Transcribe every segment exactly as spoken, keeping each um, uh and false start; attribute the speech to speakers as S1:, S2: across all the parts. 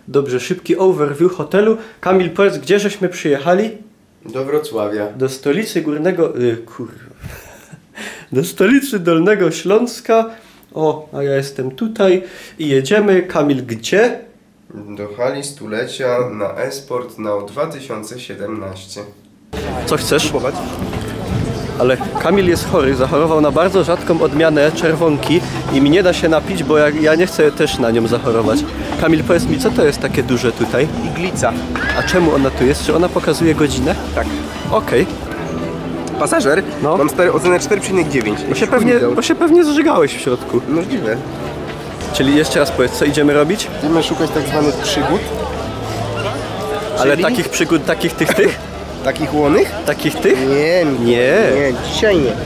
S1: Dobrze, szybki overview hotelu. Kamil, powiedz, gdzie żeśmy przyjechali?
S2: Do Wrocławia.
S1: Do stolicy Górnego... Yy, kurwa. Do stolicy Dolnego Śląska. O, a ja jestem tutaj. I jedziemy. Kamil, gdzie?
S2: Do hali stulecia na Esport na dwa tysiące siedemnaście.
S1: Co chcesz? Próbować. Ale Kamil jest chory, zachorował na bardzo rzadką odmianę czerwonki i mi nie da się napić, bo ja, ja nie chcę też na nią zachorować. Kamil, powiedz mi, co to jest takie duże tutaj?
S3: Iglica.
S1: A czemu ona tu jest? Czy ona pokazuje godzinę?
S3: Tak.
S1: Okej.
S3: Okay. Pasażer?
S1: No.
S3: Mam stary ocenę cztery przecinek dziewięć.
S1: Bo się pewnie, bo się pewnie zżygałeś w środku.
S3: Możliwe.
S1: Czyli jeszcze raz powiedz, co idziemy robić?
S3: Idziemy szukać tak zwanych przygód.
S1: Ale
S3: Czyli?
S1: takich przygód, takich tych, tych?
S3: Takich łonych?
S1: Takich tych?
S3: Nie,
S1: Nie.
S3: Nie, dzisiaj nie.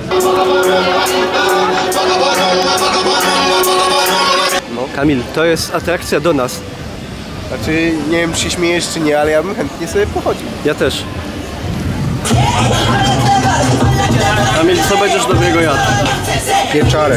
S1: No. Kamil, to jest atrakcja do nas.
S3: Znaczy, nie wiem, czy się śmiejesz, czy nie, ale ja bym chętnie sobie pochodził.
S1: Ja też. Kamil, co będziesz dobrego jadł?
S3: Pieczarę.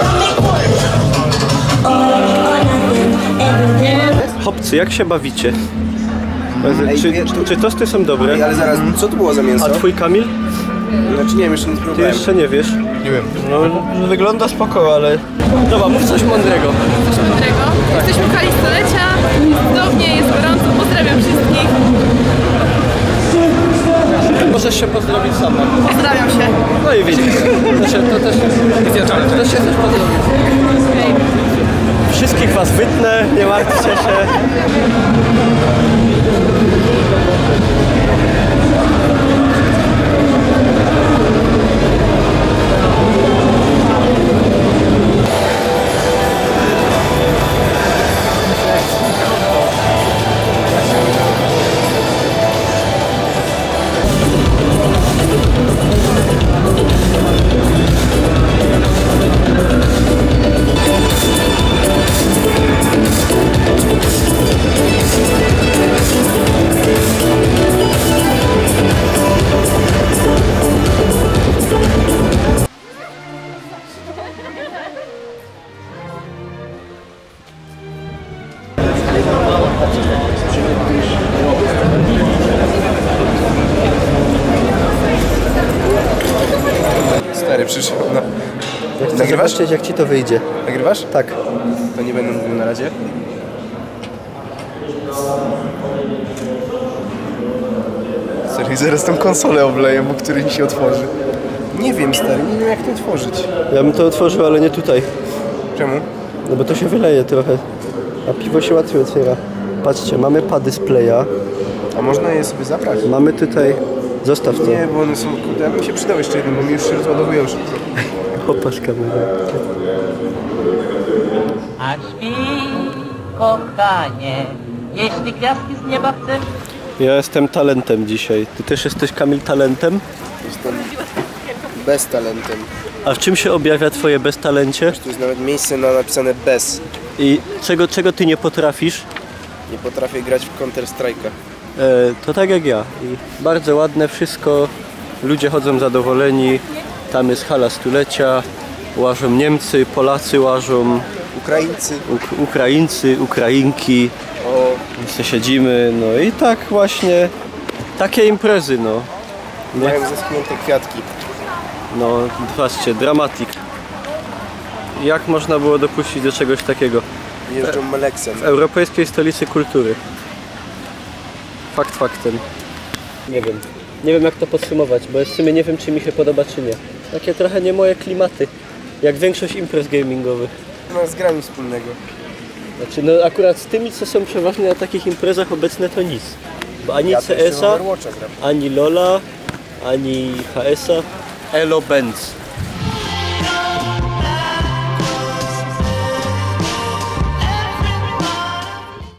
S1: Chłopcy, jak się bawicie?
S3: Ej,
S1: Czy,
S3: wie-
S1: czy tosty są dobre?
S3: Ej, ale zaraz, co to było za mięso?
S1: A twój Kamil?
S3: Znaczy, nie wiem, jeszcze nie
S1: Ty
S3: spróbowałem.
S1: jeszcze nie wiesz?
S3: Nie wiem.
S1: No, wygląda spoko, ale... Dobra, mów coś mądrego.
S4: Coś mądrego. Jesteśmy w hali stulecia, jest cudownie, jest gorąco, pozdrawiam wszystkich.
S1: Możesz się pozdrowić sama.
S4: Pozdrawiam się.
S1: No i widzisz. To, się, to też... To się też pozdrowić.
S4: Hej.
S1: Wszystkich was wytnę, nie martwcie się.
S3: Stary, przyszedł. No.
S1: Ja chcę
S3: Nagrywasz?
S1: zobaczyć, jak ci to wyjdzie.
S3: Nagrywasz?
S1: Tak.
S3: To nie będę mówił na razie. Stary, zaraz tą konsolę obleję, bo który mi się otworzy. Nie wiem, stary, nie wiem jak to otworzyć.
S1: Ja bym to otworzył, ale nie tutaj.
S3: Czemu?
S1: No bo to się wyleje trochę. A piwo się łatwiej otwiera. Patrzcie, mamy pady z playa.
S3: A można je sobie zabrać?
S1: Mamy tutaj... Zostaw to.
S3: Nie, bo one są, kurde, ja bym się przydał jeszcze jeden, bo mi już się rozładowują szybko.
S1: Popatrz kamerę.
S5: A śpi, kochanie, jeśli gwiazdki z nieba chcesz.
S1: Ja jestem talentem dzisiaj. Ty też jesteś, Kamil, talentem?
S3: Jestem bez talentem.
S1: A w czym się objawia twoje beztalencie?
S3: Tu jest nawet miejsce na napisane bez.
S1: I czego, czego ty nie potrafisz?
S3: Nie potrafię grać w Counter Strike'a.
S1: E, to tak jak ja. I bardzo ładne wszystko. Ludzie chodzą zadowoleni. Tam jest hala stulecia. Łażą Niemcy, Polacy łażą.
S3: Ukraińcy.
S1: Uk Ukraińcy, Ukrainki.
S3: O,
S1: My siedzimy. No i tak właśnie. Takie imprezy, no. Nie?
S3: mają zaschnięte kwiatki.
S1: No, patrzcie, dramatik. Jak można było dopuścić do czegoś takiego?
S3: Jeżdżą Meleksem.
S1: W europejskiej stolicy kultury. Fakt faktem. Nie wiem. Nie wiem jak to podsumować, bo w sumie nie wiem czy mi się podoba czy nie. Takie trochę nie moje klimaty. Jak większość imprez gamingowych.
S3: Nie ma z grami wspólnego.
S1: Znaczy no akurat z tymi co są przeważnie na takich imprezach obecne to nic. Bo ani
S3: Ja też
S1: C S
S3: w
S1: a,
S3: Overwatcha gram.
S1: ani LoLa, ani H S a. Elo Benz.